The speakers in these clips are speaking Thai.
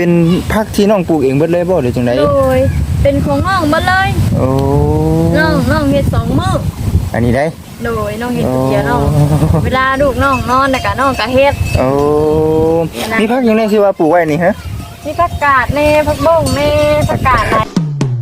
เป็นผักที่น้องปลูกเองเบิดเลยบ่หรือจังได๋โดยเป็นของน้องหมดเลยโอ้น้องเฮ็ด2มื้ออันนี้ได้โดยน้องเฮ็ดคนเดียวน้องเวลาลูกน้องนอนน่ะก็น้องก็เฮ็ดโอ้มีผักยังไงสิว่าปลูกไว้นี่ฮะมีผักกาดแน่ผักบ้งแน่ผักกาดหลาย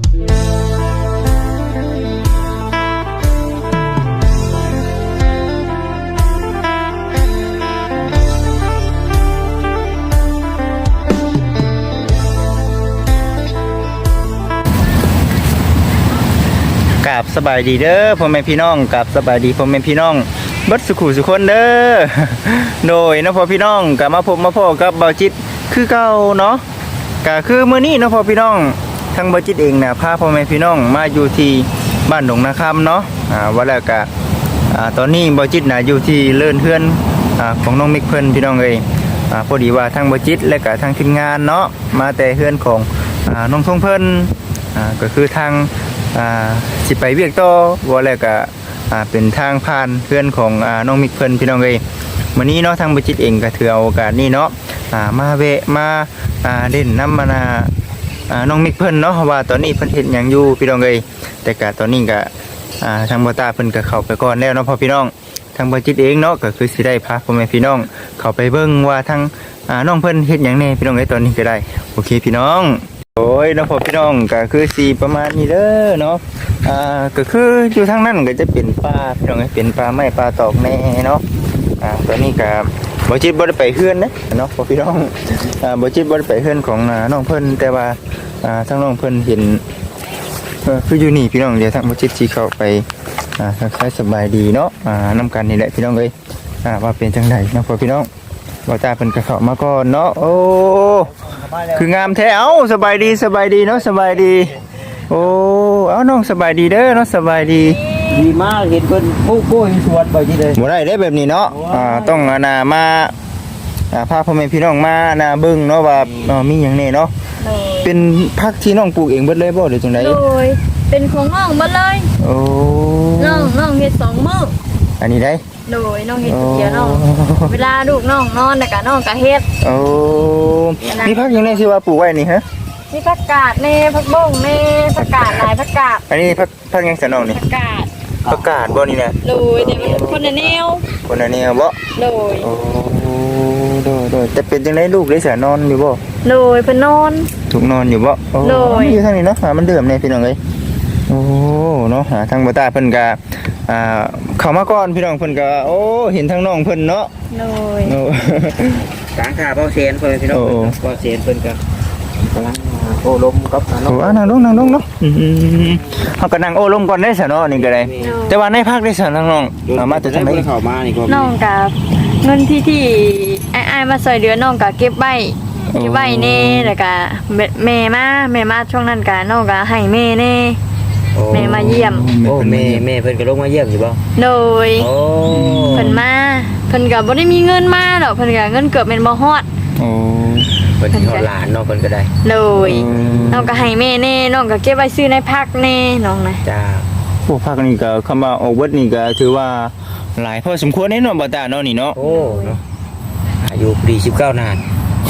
กับสบายดีเด้อพ่อแม่พี่น้องกับสบายดีพ่อแม่พี่น้องเบิดสุขุสุคนเด้อโดยนะพ่อพี่น้องกับมาพบมาพ่อกับเบาจิตคือเก่าเนาะก็คือมื้อนี้นะพ่อพี่น้องทางเบาจิตเองนะพาพ่อแม่พี่น้องมาอยู่ที่บ้านหนองนาคำเนาะว่าแล้วก็ตอนนี้เบาจิตนะอยู่ที่เลื่อนเฮือนของน้องมิกเพิ่นพี่น้องเอ้ยพอดีว่าทางเบาจิตและก็ทางทีมงานเนาะมาแต่เฮือนของน้องทงเพิ่นก็คือทางสิไปเวียกต่อว่าแล้วก็เป็นทางผ่านเพื่อนของน้องมิกเพิ่นพี่น้องเอ้ยวันนี้เนาะทางบัจิตเองก็ถือเอาโอกาสนี้เนาะมาแวะมาเด่นน้ำมาน้องมิกเพิ่นเนาะว่าตอนนี้เพิ่นเฮ็ดหยังอยู่พี่น้องเอ้ยแต่ก็ตอนนี้ก็ทางบ่ตาเพิ่นก็เข้าไปก่อนแล้วเนาะพ่อพี่น้องทางบัจิตเองเนาะก็คือสิได้พาพ่อแม่พี่น้องเข้าไปเบิ่งว่าทางน้องเพิ่นเฮ็ดหยังแน่พี่น้องเอ้ยตอนนี้ก็ได้โอเคพี่น้องโอ้ยน้องพ่อพี่น้องก็คือสีประมาณนี้เด้อเนาะก็คืออยู่ทางนั้นก็จะเป็นปลาพี่น้องเป็นปลาไม้ปลาตอกแน่เนาะตอนนี้ก็บ่จิตบ่ได้ไปเฮือนนะเนาะพ่อพี่น้องบ่จิตบ่ได้ไปเฮือนของน้องเพิ่นแต่ว่าทางน้องเพิ่นเห็นคืออยู่นี่พี่น้องเดี๋ยวทางบ่จิตสิเข้าไปทักทายสบายดีเนาะนำกันนี่แหละพี่น้องเอ้ยว่าเป็นจังได๋เนาะพ่อพี่น้องบ่ตาเพิ่นก็เข้ามาก่อนเนาะโอ้คืองามแท้เอ้าสบายดีเนาะสบายดีโอ้เอาน้องสบายดีเด้อเนาะสบายดีดีมากเห็นเพิ่นปลูกกล้วยสวนไปที่เลยบ่ได้แบบนี้เนาะต้องมาพาพ่อแม่พี่น้องมาเบิ่งเนาะว่ามีหยังแน่เนาะเป็นผักที่น้องปลูกเองเบิดเลยบ่หรือจังได๋โดยเป็นของน้องหมดเลยโอ้น้องเฮ็ด2มื้ออันนี้ได้โดยน้องเฮ็ดคนเดียวน้องเวลาลูกน้องนอนน่ะก็น้องก็เฮ็ดโอ้มีผักยังไงสิว่าปลูกไว้นี่ฮะมีผักกาดแน่ผักบ้งแน่ผักกาดหลายผักกาดอันนี้ผักยังสนองนี่ผักกาดบ่นี่นะโดยแต่มันคนละแนวบ่โดยโอ้โดยแต่เป็นจังได๋ลูกได้สนอนอยู่บ่โดยเพิ่นนอนถูกนอนอยู่บ่โอ้อยู่ทางนี้เนาะมันเดือมแน่พี่น้องเอ้ยโอ้เนาะทางบ่ตาเพิ่นก็เข้ามาก่อนพี่น้องเพิ่นก็โอ้เห็นทางน้องเพิ่นเนาะโดยกลางขาเบาเซนเพิ่นพี่น้องเบาเซนเพิ่นก็กำลังโอ้ลมกับน้องนั่งลงเนาะเฮาก็นั่งโอ้ลมก่อนได้ซะเนาะนี่ก็ได้แต่ว่าในภาคได้ซะน้องมาแต่จังได๋เข้ามานี่ก็น้องกับเงินที่อ้ายมาซอยเดือนน้องก็เก็บไว้แน่แล้วก็แม่มาช่วงนั้นก็น้องก็ให้แม่แน่แม่มาเยี่ยมโอ้แม่เพิ่นก็ลงมาเยี่ยมอยู่บ่โดยเพิ่นมาเพิ่นก็บ่ได้มีเงินมาดอกเพิ่นก็เงินเกือบแม่นบ่ฮอดโอ้เพิ่นฮอดหลานเนาะเพิ่นก็ได้โดยน้องก็ให้แม่แน่น้องก็เก็บไว้ซื้อในพักแน่น้องนะจ้าพวกพักนี่ก็คำว่าออกเบิดนี่ก็ถือว่าหลายพอสมควรแน่เนาะบ่ตาเนาะนี่เนาะโอ้เนาะอายุดี19นาน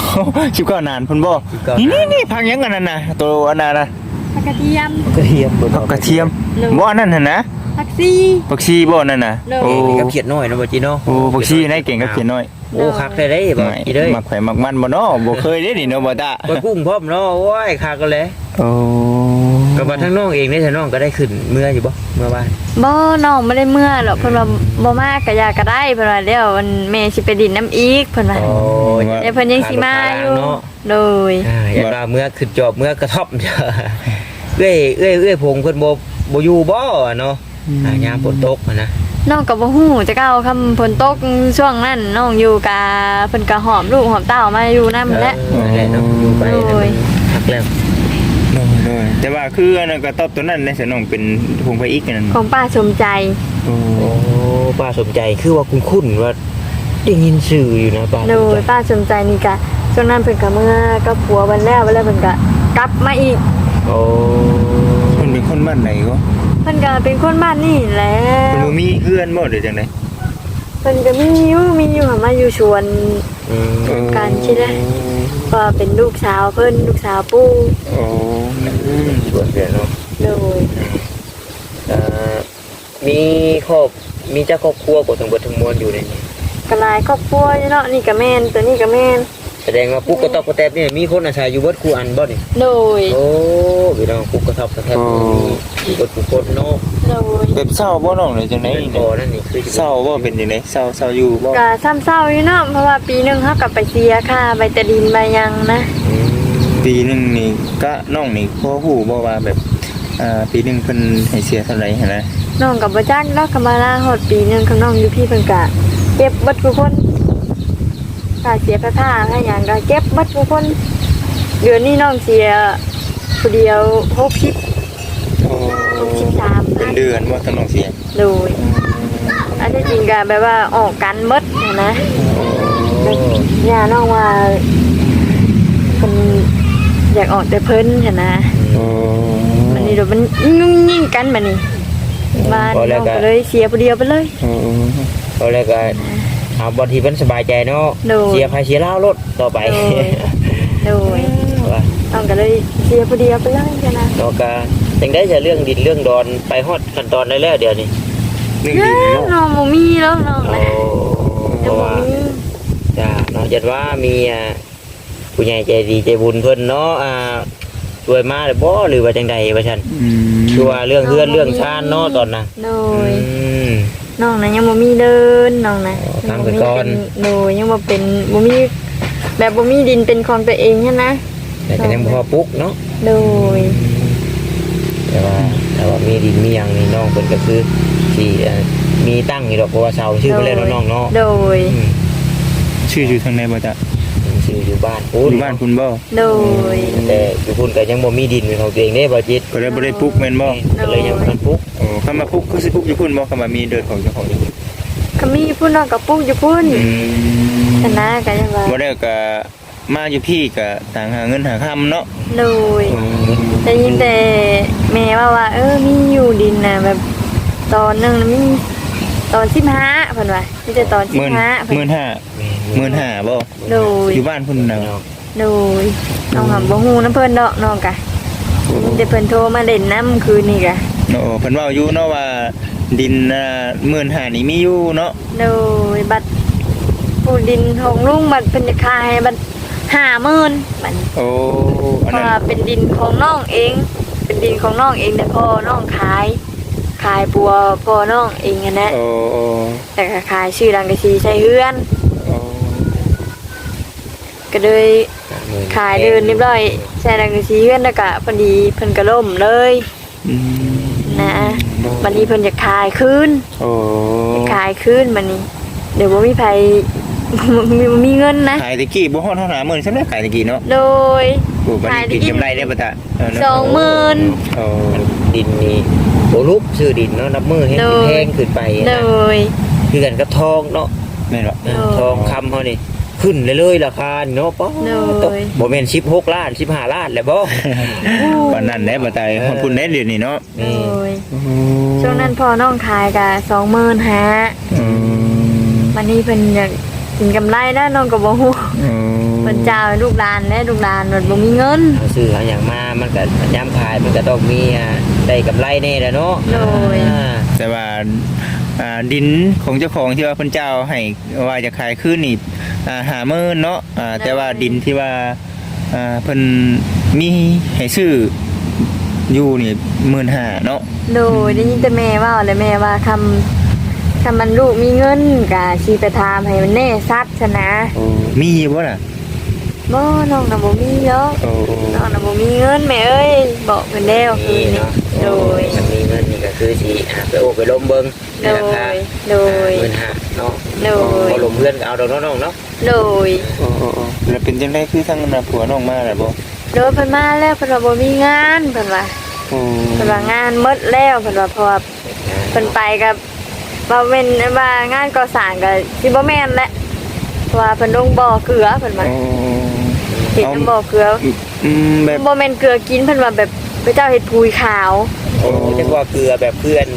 19นานเพิ่นบ่นี่พักหยังอันนั้นน่ะตัวอันนั้นน่ะผักกระเทียมผักกระเทียมบ่อันนั้นหั่นนะผักชีบ่นั่นน่ะโอ้กับเขียดน้อยเนาะบ่จิเนาะโอ้ผักชีไหนเก่งกับเขียดน้อยโอ้คักได้บ่อีเด้มักไผมักมันบ่เนาะบ่เคยได้นี่เนาะบ่ตาบ่กุ้งพร้อมเนาะโอ้ยคักกันเลยโอ้ก็ว่าทั้งน้องเองได้ทั้งน้องก็ได้ขึ้นเมื่ออยู่บ่เมื่อบ้านบ่น้องไม่ได้เมื่อหรอกเพิ่นว่าบ่มากก็อยากก็ได้เพิ่นว่าเดี๋ยวมันแม่สิไปดินน้ำอีกเพิ่นว่าเดี๋ยวเพิ่นยังสิมาอยู่โดยอย่าว่าเมื่อขึ้นจอบเมื่อกระท่อมเอ้ยพงเพิ่นบ่อยู่บ่เนาะยามฝนตกนะน้องก็บ่ฮู้จะเก้าคำฝนตกช่วงนั้นน้องอยู่กะเพิ่นก็หอมลูกหอมเต้ามาอยู่นำแล้วเนาะอยู่ไปพักแล้วแต่ว่าคืออันนั้นก็ตอบตัวนั้นในสนองเป็นพงไผอีกนั่นของป้าสมใจโอ้ป้าสมใจคือว่าคุ้นๆว่าได้ยินชื่ออยู่นะป้าโดยป้าสมใจนี่ก็ช่วงนั้นเพิ่นก็เมื่อกับผัววันแล้วเพิ่นก็กลับมาอีกโอ้เพิ่นเป็นคนบ้านไหนก็เพิ่นก็เป็นคนบ้านนี่แหละเพิ่นบ่มีเพื่อนบ่หรือจังได๋เพิ่นก็มีอยู่หามาอยู่ชวน การคิดนะ ว่าเป็นลูกสาวเพิ่นลูกสาวปู่โอ้ชวนเดือนเนาะโดยมีครอบมีเจ้าครอบครัวกดทั้งเบิดทั้งมวลอยู่ในนี้ก็หลายครอบครัวอยู่เนาะนี่ก็แม่นตัวนี้ก็แม่นแสดงว่าปุ๊กกระตอบกระแตบนี่มีคนอาศัยอยู่เบิดคู่อันบ่นี่โดยโอ้พี่น้องปุ๊กกระตอบกระแตบมีเบิดคู่คนเนาะโดยแบบเศร้าบ่น้องเลยจังได๋นี่นี่นั่นนี่คือเศร้าบ่เป็นจังได๋เศร้าอยู่บ่ก็ซ้ำเศร้าอยู่เนาะเพราะว่าปีหนึงเฮาก็ไปเสียค่าใบตะดินใบหยังนะปีหนึงนี่ก็น้องนี่พอฮู้บ่ว่าแบบปีหนึงเพิ่นให้เสียเท่าไหร่หั่นนะน้องก็บ่จักเนาะก็มาลาฮอดปีหนึงข้างน้องอยู่พี่เพิ่นก็เก็บเบิดทุกคนค่าเสียค่าค่าหยังก็เก็บเบิดทุกคนเดือนนี้น้องเสียผู้เดียว60 โอ้ 63 เป็นเดือนบ่ทั้งน้องเสียโดยอันที่จริงก็แบบว่าออกกันเบิดนะย่าน้องว่าเพิ่นอยากออกแต่เพิ่นหั่นนะโอ้มันนี่เดี๋ยวมันยิ่งกันบัดนี้บ้านน้องก็เลยเสียผู้เดียวไปเลยโอ้ตอนแรกก็เอาบางทีมันสบายใจเนาะโดยเสียภายเสียเล่ารถต่อไปโดยว่าน้องก็เลยเสียผู้เดียวไปเลยจ้ะนะเนาะก็จังได้จะเรื่องดินเรื่องดอนไปฮอดขั้นตอนได้แล้วเดี๋ยวนี้เรื่องเอ้ดินยเนาะน้องบ่มีแล้วน้องโอ้นะเพยังราะบ่ว่ามีจ้าเนาะจัดว่ามีผู้ใหญ่ใจดีใจบุญเพิ่นเนาะช่วยมาหรือบ่หรือว่าจังใดว่าซั่น คือว่าเรื่องเฮือนเรื่องชานเนาะตอนน่ะโดยมน้องนะยังบ่มีเดินน้องนะอ๋อทำไปก่อนโดยยังบ่เป็นบ่มีแบบบ่มีดินเป็นของตัวเองใช่นะแต่ก็ยังพอปลุกเนาะโดยแต่ว่ามีดินมีหยังนี่น้องเพิ่นก็คือสิมีตั้งอยู่ดอกเพราะว่าเสาชื่อเพิ่นแล้วเนาะน้องเนาะโดยอืมชื่ออยู่ทางไหนบ่จ๊ะชื่ออยู่บ้านอยู่บ้านคุณบ่โดยแต่อยู่พุ่นก็ยังบ่มีดินเป็นของตัวเองเด้บ่จิตก็เลยบ่ได้ปลูกแม่นบ่ก็เลยยังบ่ทันปลุกโอ้คำมาปลูกคือสิปลูกอยู่พุ่นบ่คำว่ามีเดินของเจ้าของอยู่พุ่นก็มีผู้น้องกับปุ๊กอยู่พุ่นชนะกันยังว่าบ่ได้ก็มาอยู่พี่ก็ต่างหาเงินหาค่ำเนาะโดยได้ยินแต่แม่ว่ามีอยู่ดินน่ะแบบตอนหนึงน่ะมีตอน15เพิ่นว่ามีแต่ตอน15เพิ่น 15,000บ่โดยอยู่บ้านพุ่นน่ะโดยน้องหำบ่ฮู้นํเพิ่นดอกน้องกะมีแต่เพิ่นโทรมาเล่นน้ำคืนนี่กะโอ้เพิ่นเว้าอยู่เนาะว่าดิน15,000นี่มีอยู่เนาะโดยบัตรผู้ดินของลุงบัตรเพิ่นจะขายให้บัตร50,000บัดนี้โอ้เพอันราะนั้นว่าเป็นดินของน้องเอง เป็นดินของน้องเองแต่พ่อน้องขายปัวพ่อน้องเองอะนะโอ้โอ้แต่ก็ขายชื่อดังกะชีใช้เฮือนโอ้ก็เลยขายเดินเรียบร้อยใช้ดังกะชีเฮือนแล้วก็พอดีเพิ่นก็ล่มเลยอืมนะวันนี้เพิ่นจะขายคืนโอ้จะขายคืนบัดนี้ เดี๋ยวบ่มีไผ มีเงินนะขายตะกี้บ่ฮอดเท่าหา10,000ซั่นแหละขายตะกี้เนาะโดยโอ้บัดนี้กินกำไรได้บ่ตะเนาะ 20,000 โอ้ดินนี่โอ้ลูกซื้อดินเนาะนับมือให้โดมันยแพงขึ้นไปโดนะยคือกันกับทองเนาะแม่นบ่ทองคำเขานี่ขึ้นเลยๆราคานี่เนาะป๊อโดยบ่แม่น16ล้าน15ล้านแล้วบ่ปานนั้นแหละบ่ตายฮอดพุ่นได้เดี๋ยวนี้เนาะโดยช่วงนั้นพอน้องขายกะ25,000 อืมวันนี้เพิ่นอยากกินกำไรแล้วน้องก็บ่ฮู้อืมเพิ่นเจ้าให้ลูกหลานและลูกหลานมันบ่มีเงินเอาซื้อเอาอย่างมามันก็ยามขายมันก็ต้องมีได้กำไรแน่แหละเนาะโดยแต่ว่าดินของเจ้าของที่ว่าเพิ่นเจ้าให้ว่าจะขายคืนนี่50,000เนาะแต่ว่าดินที่ว่าเพิ่นมีให้ซื้ออยู่นี่15,000เนาะโดยได้ยินแต่แม่เว้าและแม่ว่าคำมันลูกมีเงินก็สิไปถามให้มันแน่ชัดซะนะมีบ่ล่ะบ่น้องน่ะบ่มีหรอกโอ้น้องน่ะบ่มีเงินแม่เอ้ยบอกเพิ่นแล้วคืนี่นนี้เนาะโดยมันมีเงินนี่ก็คือสิไปโอ้ไปล้มเบิ่งในโดราคายโดย 15,000เนาะโดยบ่ล้มเพื่อนก็เอาดอกเนาะน้องเนาะโดยโอ้แล้วเป็นจังได๋คือทางนั้นผัวน้องมาแล้วบ่โดยเพิ่นมาแล้วเพิ่นว่าบ่มีงานเพิ่นว่าโอ้เพิ่นว่างานหมดแล้วเพิ่นว่าเพราะว่าเพิ่นไปกับว่าเป็นว่างานก่อสร้างก็สิบ่แม่นแหละเพราะว่าเพิ่นลงบ่อเกลือเพิ่นว่าเฮ็ดน้ำบ่อเกลือแบบบ่แม่นเกลือกินเพิ่นว่าแบบพระเจ้าเฮ็ดปุ๋ยขาวโอ้จังว่าเกลือแบบเพื่อน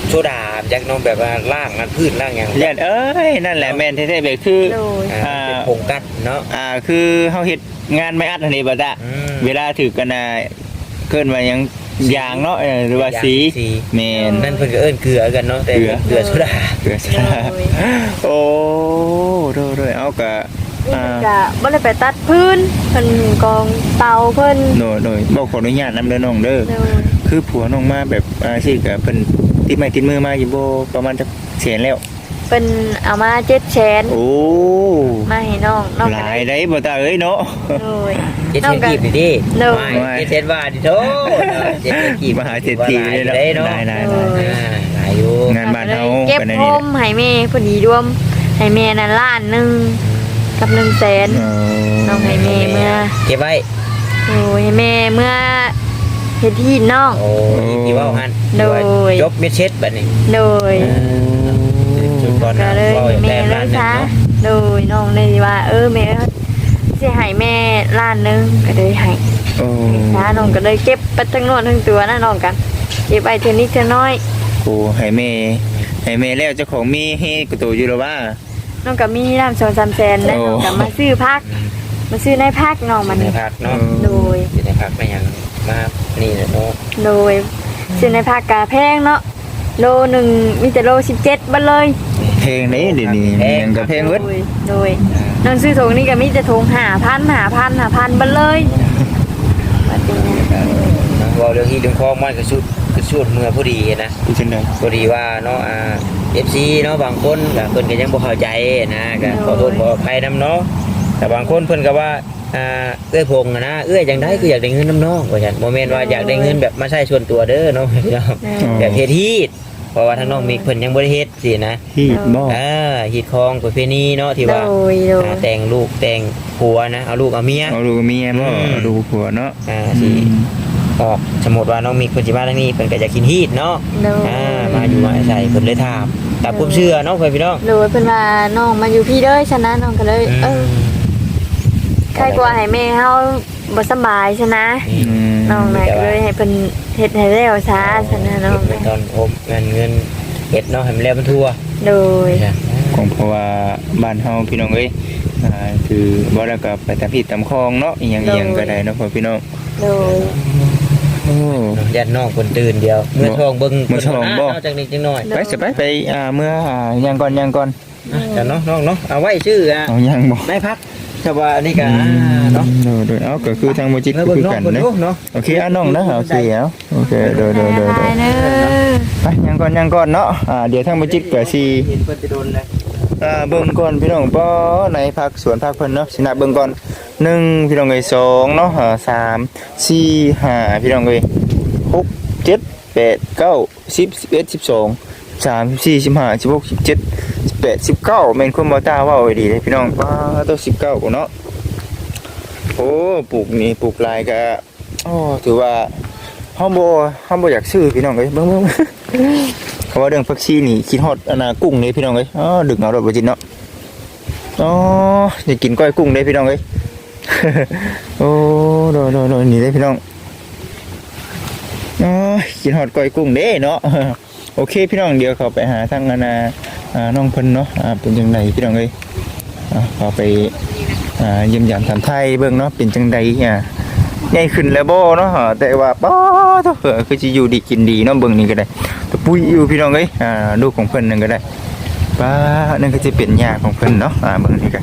โซดาจากน้องแบบว่าล่างนั้นพืชล่างหยังเลียนเอ้ยนั่นแหละแม่นแท้ๆแบบคือโดยเป็นผงกัดเนาะคือเฮาเฮ็ดงานไม่อัดอันนี้บ่ตะอืมเวลาถือกันน่ะเกินว่าหยังยางเนาะหรือว่าสีแม่นนั่นเพิ่นก็เอิ้นเกลือกันเนาะแต่เกลือเกลือโซดาเกลือซะโอ้โดยเอาก็นี่เพิ่นก็บ่ได้ไปตัดพื้นเพิ่นกองเตาเพิ่นโดยบอกขออนุญาตนำเด้อน้องเด้อโดยคือผัวน้องมาแบบสิก็เพิ่นติดไม้ติดมือมาอยู่บ่ประมาณจักแสนแล้วเพิ่นเอามา700,000 โอ้มาให้น้องน้องหก็ลาได้ยได้บ่ตาเอ้ยเนาะโดยเจ็ดน้องเทนก็กีบดิโดยไม่เจ็ดเทนบาทดิโถเจ็ดเทนกีบมหาเศรษฐีเลยได้เนาะได้หลายอยู่งานบ้านเฮาเก็บเป็นอันโฮนี้มให้แม่พอดีรวมให้แม่นั่นล้านหนึงกับ100,000น้องให้แม่เมื่อเก็บไว้โอ้ยให้แม่เมื่อเฮ็ดที่น้องโอ้ยที่ว่าหันโดยจบเม็ดเช็ดบัดนี้โดยจุดก่อนก็นะเลยว่าอย่างแม่แรกเลล้าย นหนึงซะเนาะโดยน้องเลยว่าแม่สิให้แม่ล้านหนึงก็เลยให้โอ้ซะน้องก็เลยเก็บไปทั้งโนวนทั้งตัวนะน้องกันเก็บไปเท่านิดเท่าน้อยโหให้แม่แล้วเจ้าของมีให้กระโตอยู่แล้วว่าน้องก็มีน้ำ2-3แสนแล้วโอ้น้องก็มาซื้อพักมาซื้อในพักน้องมันในพักเนาะโดยอยู่ในพักไม่ยังมานี่แหละเนาะโดยซื้อในพักกะแพงเนาะโลหนึ่งมีแต่โล17บัดเลยเพลงนี้เดี๋ยวนี้ยังกับเพลงเวิร์ดโดยน้องซื้อถุงนี่ก็มีแต่ถุง5,000บัดเลยบัดนี้นะว่าเรื่องที่เรื่องของมันก็สุดเมื่อพอดีนะที่ฉันได้พอดีว่าเนาะFC เนาะบางคนก็เพิ่นก็ยังบ่เข้าใจนะก็ขอโทษขออภัยนํเนาะแต่บางคนเพิ่นก็ว่าเอื้อยพงอะนะเอื้อยจังได๋คืออยากได้เงินน้ำน้องว่าซั่นบ่แม่นว่าอยากได้เงินแบบมาใช้ส่วนตัวเด้อเนาะพี่น้องแบบเฮ็ดฮีดเพราะว่าทางน้องมีเพิ่นยังบ่ได้เฮ็ดสินะฮีดบ่ฮีดคองประเพณีเนาะที่ว่าโดยแต่งลูกแต่งผัวนะเอาลูกเอาเมียเอาลูกเมียบ่เอาลูกผัวเนาะสิออกสมมุติว่าน้องมีคนสิมาทางนี้เพิ่นก็จะกินฮีดเนาะโดยมาอยู่มาอาศัยเพิ่นเลยถามตามความเชื่อเนาะเพื่อนพี่น้องโดยเพิ่นว่าน้องมาอยู่พี่เด้อฉะนั้นน้องก็เลยใครกลัวให้แม่เฮาบ่สบายฉะนะน้องน่ะก็เลยให้เพิ่นเฮ็ดให้แล้วซะฉะนั้นน้องเป็นตอนโอมเงินเฮ็ดเนาะให้มันแล้วมันทั่วโดยของเพราะว่าบ้านเฮาพี่น้องเอ้ยคือบ่แล้วก็ไปตามพี่ตามคลองเนาะอีหยังก็ได้เนาะพ่อพี่น้องโดยโอ้ยันน้องคนตื่นเดียวเมื่อช่องเบิ่งเมื่อช่องบ่เนาะจังนิดจังหน่อยไปจะไปเมื่อยังก่อนกันเนาะน้องเนาะเอาไว้ชื่อเอายังบ่นายพักแต่ว่าอันนี้ก็เนาะโดยเอาก็คือทางโมจิตก็คือกันนะเนาะโอเคน้องนะโอเคเอาโอเคโดยไปเด้อไปยังก่อนเนาะเดี๋ยวทางโมจิตก็สิเห็นเพิ่นจะโดนเลยเบิ่งก่อนพี่น้องป้อในพักสวนพักเพิ่นเนาะสินับเบิ่งก่อน1พี่น้องเอ้ย2เนาะ3 4 5พี่น้องเอ้ย6 7 8 9 10 11 12 3 4 15 16 17 18 19แม่นคนบ่ตาเว้าไว้ดีเลยพี่น้องป้าตัว19เนาะโอ้ปลูกนี่ปลูกหลายก็ถือว่าเฮาบ่อยากซื้อพี่น้องเอ้ยเบิ่งเขาว่าเรื่องผักชีนี่คิดฮอดกุ้งนี่พี่น้องเอ้ยดึกเอาดอกบ่จินเนาะอยากกินก้อยกุ้งเด้พี่น้องเอ้ย โอ้โดนี่เด้พี่น้องกินฮอดก้อยกุ้งเด้เนาะ โอเคพี่น้องเดี๋ยวเขาไปหาทางน้องเพิ่นเนาะเป็นจังไดพี่น้องเอ้ยเขาไปเยี่ยมยามถามไทยเบิ่งเนาะเป็นจังไดใหญ่ขึ้นแล้วบ่เนาะแต่ว่าป้าเถอะคือสิอยู่ดีกินดีเนาะเบิ่งนี่ก็ได้ตะปุยอยู่พี่น้องเอ้ยลูกของเพิ่นนั่นก็ได้ป้านั่นก็จะเป็นยาของเพิ่นเนาะเบิ่งนี่ก็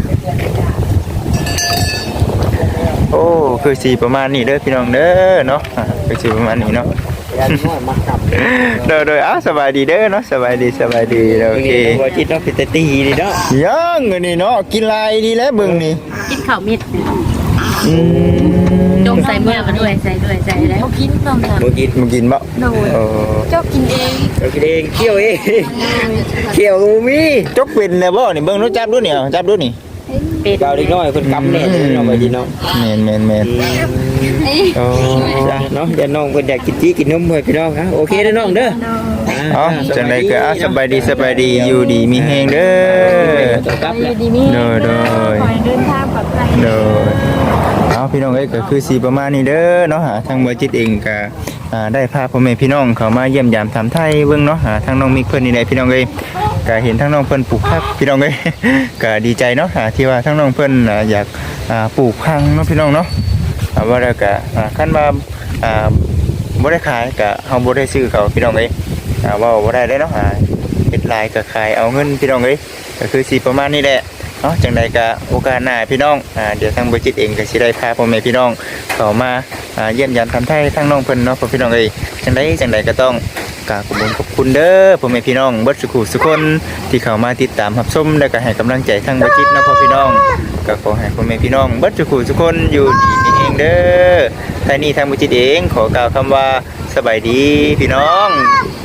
โอ้คือสิประมาณนี้เด้อพี่น้องเด้อเนาะคือสิประมาณนี้เนาะยันน้อยมาขับโดยสบายดีเด้อเนาะสบายดีโอเคบ่จิตเนาะเป็นตีดีเนาะยังอันนี้เนาะกินลายดีแล้วเบิ่งนี่กินข้าวเม็ดจงใส่เมื่อมาด้วยใส่แล้วเขากินต้องทบ่กินมึงกินบ่โดยเออเจ้ากินเองเอากินเองเคี่ยวเองเคี่ยวมีจกเป็นแล้วบ่นี่เบิ่งรู้จับดูนี่เอาจับดูนี่เป็ดเบาเล็กน้อยเพิ่นกำแน่เลยเนาะว่าดีเนาะแม่นโอ้จ้ะเนาะอย่าน้องเพิ่นอยากกินจี้กินนมเพิ่นพี่น้องฮะโอเคเด้อน้องเด้อเอ้าจังไดก็สบายดีอยู่ดีมีแฮงเด้อต้องกลับอแล้วยู่ดีมีโดยขอให้เดินทางปลอดภัยโดยเอาพี่น้องเอ้ยก็คือสีประมาณนี้เด้อเนาะหาทางบ่จิตเองก็ได้พาพ่อแม่พี่น้องเข้ามาเยี่ยมยามถามไทยเบิ่งเนาะหาทางน้องมิกเพิ่นนี่แหละพี่น้องเอ้ยก็เห็นทางน้องเพิ่นปลูกผักพี่น้องเอ้ย ก็ดีใจเนาะที่ว่าทางน้องเพิ่นอยากปลูกผักเนาะพี่น้องเนาะว่าแล้วก็คันว่าบ่ได้ขายก็เฮาบ่ได้ซื้อเขาพี่น้องเอ้ยเว้าบ่ได้เด้เนาะเฮ็ดลายก็ขายเอาเงินพี่น้องเอ้ยก็คือสิประมาณนี้แหละเนาะจังใดก็โอกาสหน้าพี่น้องเดี๋ยวทางบริจิตเองก็สิได้พาพ่อแม่พี่น้องเข้ามาเยี่ยมยามทำไทยทางน้องเพิ่นเนาะพ่อพี่น้องเอ้ยจังใดก็ต้องกราบขอบคุณเด้อพ่อแม่พี่น้องเบิดสุขุสุคนที่เข้ามาติดตามรับชมและก็ให้กำลังใจทางบริจิตเนาะพ่อพี่น้องก็ขอให้พ่อแม่พี่น้องเบิดสุขุสุคนอยู่ดีมีเองเด้อท่านี้ทางบริจิตเองขอกล่าวคำว่าสบายดีพี่น้อง